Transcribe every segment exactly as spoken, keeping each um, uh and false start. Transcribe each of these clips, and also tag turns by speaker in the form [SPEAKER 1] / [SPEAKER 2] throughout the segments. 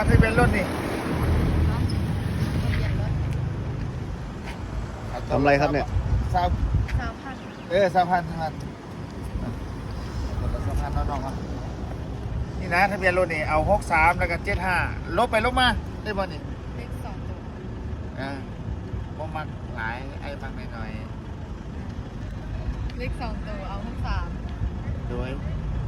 [SPEAKER 1] ทะเบียนรถนี่
[SPEAKER 2] ทำอะไรครับเนี่ย
[SPEAKER 1] สาว
[SPEAKER 3] สามพัน
[SPEAKER 1] เออสามพันสามพันสามพันน้องๆครับนี่นะทะเบียนรถนี่เอาหกสามแล้วก็เจ็ดห้าลบไปลบมาได้บ่นี่
[SPEAKER 3] เลขสองตัว
[SPEAKER 1] อ่าบ่มักหลายไอ้มักหน่อย
[SPEAKER 3] เลขสองตัวเอาหกสาม
[SPEAKER 1] ๆโดย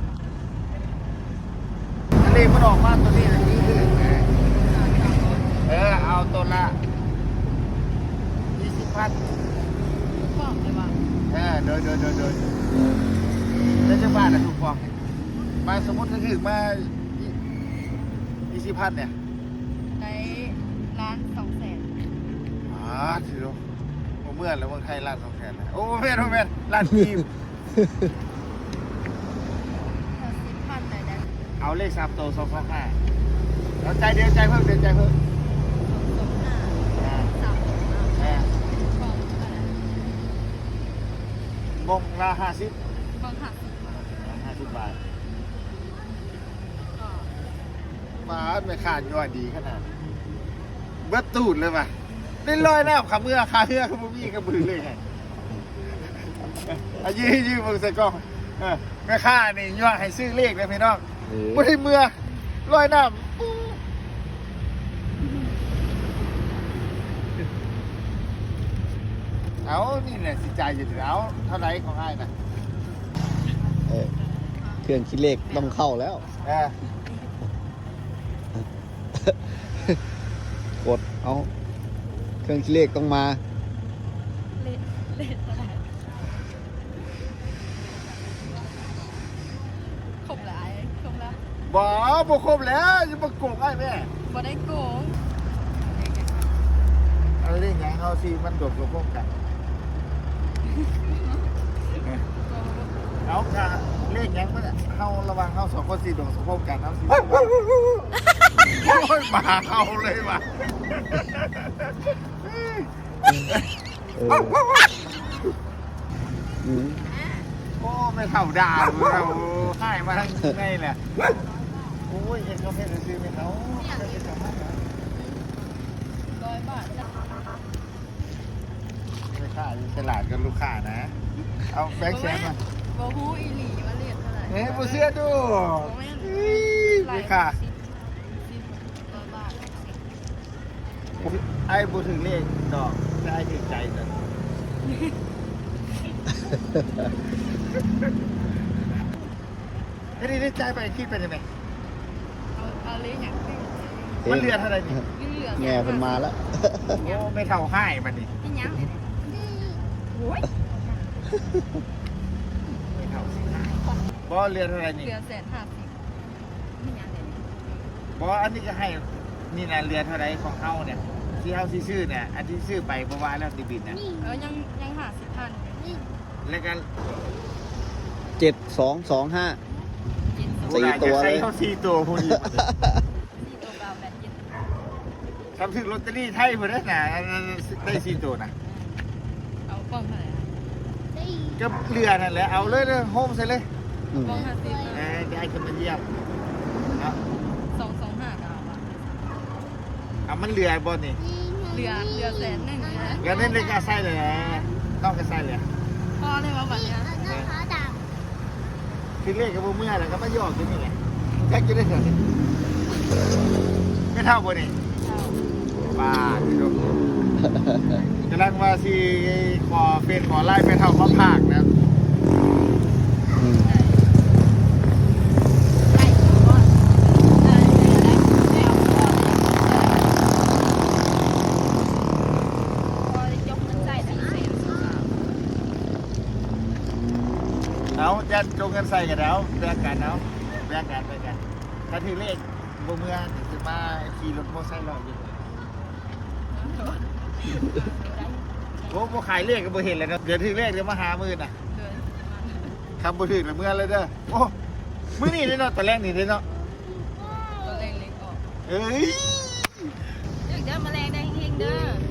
[SPEAKER 1] ทะเลมันออกมาตัวนี้นะนี่คือเออเอาตัวละยี่สิบพัน
[SPEAKER 3] ทุกกล่องเลยว่ะ
[SPEAKER 1] เออโดยโดยโดยโดยแล้วจะบ้านนะถูกฟองมาสมมติถ้าถึงมายี่สิบพันเนี่ย
[SPEAKER 3] ในร้านสองแสน
[SPEAKER 1] อ๋อถือว่าเมื่อแล้วเมืองไทยร้านสองแสนนะโอ้แม่นโอ้แม่นร้านทีม
[SPEAKER 3] ถ้าสิบพันเลยนะ
[SPEAKER 1] เอาเลขสามตัวสองสองห้าเอาใจเดียวใจเพิ่มเดียวใจเพิ่ม
[SPEAKER 3] สองห้า
[SPEAKER 1] อ่า
[SPEAKER 3] สามตัว
[SPEAKER 1] อ่าก
[SPEAKER 3] ล่องอะไร
[SPEAKER 1] มงละห้าสิบ
[SPEAKER 3] กล่องหักสิบบาท
[SPEAKER 1] ห้าสิบบาท
[SPEAKER 3] ก็
[SPEAKER 1] มาไม่ขาดยอดดีขนาดเบิดตูดเลยป่ะได้ลอยหน้าขาเมื่อขาเมื่อขาบุมีกระบือเลยไงอายืยืมือใส่กล้องเออแม่ข้านี่ย่อให้ซื้อเลขเลยพี่น้องไม่ได้เมื่อลอยน้ำเอานี่แหละสิใจจะถึงเอาเท่าไรของไอ้นะ
[SPEAKER 2] เออเครื่องคิดเลขต้องเข้าแล้ว
[SPEAKER 1] เออก
[SPEAKER 2] ดเอาเครื่องคิดเลขต้องมา
[SPEAKER 3] เลขเลขอะไรครบแล้วครบแล้ว
[SPEAKER 1] บ่บ่ครบแล้วจะมาโกงไอ้แม่
[SPEAKER 3] บ่ได้โกง
[SPEAKER 1] เอาเรื่องไงเขาสิมันโดดกับพวกกัน เอาค่ะเลขยังมันเขาระวังเขาสองคนสี่ดวงสมพบกันเขาสี่โอ้ยมาเขาเลยว่ะ
[SPEAKER 2] เอออืม
[SPEAKER 1] โอ้ไม่เท่าดาวเราให้มาทั้งไงแหละโอ้ยเห็นเขาเพชรซื้อไหมเขา
[SPEAKER 3] ร้อยบาทจ้ะ
[SPEAKER 1] ไม่ค่าฉลาดกับลูกค้านะ เอาแบงค์แชมป์มา
[SPEAKER 3] โบฮูอีหลีว่าเลขเท่าไหร่
[SPEAKER 1] เฮ้ยผู้เสื้อดูไม่ค่า
[SPEAKER 3] สิบร้อยบาทสิบ
[SPEAKER 1] ไอ้บูถึงเลขดอกได้ถึงใจเลยไอ้นี่ได้ใจไปคิดไปยังไง
[SPEAKER 3] เอาเอาเลขอย่างที่
[SPEAKER 1] มันเรือนเท่าไหร่นี่
[SPEAKER 3] เหลือ
[SPEAKER 2] แง่เพิ่นมาแล้ว
[SPEAKER 1] โอ้ไม่เท่าให้มันนี่
[SPEAKER 3] นี่ยังโอ้ย
[SPEAKER 1] ไม่เท่าสิบอเรือนเท่าไหร่นี่
[SPEAKER 3] เหลือแสนห้าสิบนี่ยังเนี่ย
[SPEAKER 1] บออันนี้ก็ให้นี่นะเรือนเท่าไหร่ของเฮาเนี่ยที่เฮาที่ซื้อเนี่ยอันที่ซื้อไปเพราะว่าแล้วติบินนะ
[SPEAKER 3] เออยังยังหาสิบพัน
[SPEAKER 1] แล้วก็
[SPEAKER 2] เจ็ดสองสองห้า
[SPEAKER 3] เจ็ดสิบ
[SPEAKER 2] สี่ตัวเลย
[SPEAKER 1] ใส่เขาสี่ตัวพอดี
[SPEAKER 3] สี่ตัวเบาแปดเจ็ด
[SPEAKER 1] ทำถึงลอตเตอรี่ไทยหมดแล้วนะได้สี่ตัวนะ
[SPEAKER 3] เอากล่องเท่าไหร่
[SPEAKER 1] ก็เรือนั่นแหละเอาเลยเลยโฮมใส่เลย
[SPEAKER 2] อืม
[SPEAKER 3] กล่องห้าสิบ
[SPEAKER 1] เออจะให้คนมาเยี่ยมเอา
[SPEAKER 3] สองสองห้าก็เอาอะ
[SPEAKER 1] เอามันเรือบนนี่
[SPEAKER 3] เหลือเหลือแสนหนึ่งเลยนะ
[SPEAKER 1] แล้วนี่เลยก็ใส่เลยนะต้องก็ใส่เลย
[SPEAKER 3] พอเลยว่าแบบเนี้ย
[SPEAKER 1] คือเลขกับเมื่อแล้วก็มาหยอกกันนี่ไงแจ็คจะได้เกิดไม่เท่าบนนี่
[SPEAKER 3] เอา
[SPEAKER 1] บ้าพี่ลูกกำลังว่าสิขอเฟนขอไล่ไปเท่าข้อภาคนะ
[SPEAKER 2] อืม
[SPEAKER 3] ได้ได้อยู่ก่อนได้ได้ได้เอาก่อนพอได้ยกเงินใส่ได้แสนสอง
[SPEAKER 1] เอาจะจงกันใส่กันแล้วแบ่งกันเอาแบ่งกันไปกันถ้าถือเลขบนเมืองจะมาขี่รถมอเตอร์ไซค์ลอยอยู่โอ้โหขายเลขก็บ่เห็นเลยนะเดี๋ยวถือเลขเดี๋ยวมาหามือน่ะ
[SPEAKER 3] เดือน
[SPEAKER 1] คำบ่ถือละเมื่อเลยเด้อโอ้มื้อนี้ได้เนาะตอนแรกนี่ได้เนาะ
[SPEAKER 3] ตัวเล็กเล็กออก
[SPEAKER 1] เอ้ย
[SPEAKER 3] เดี๋ยวจะมาแรงได้เฮงๆเด้อ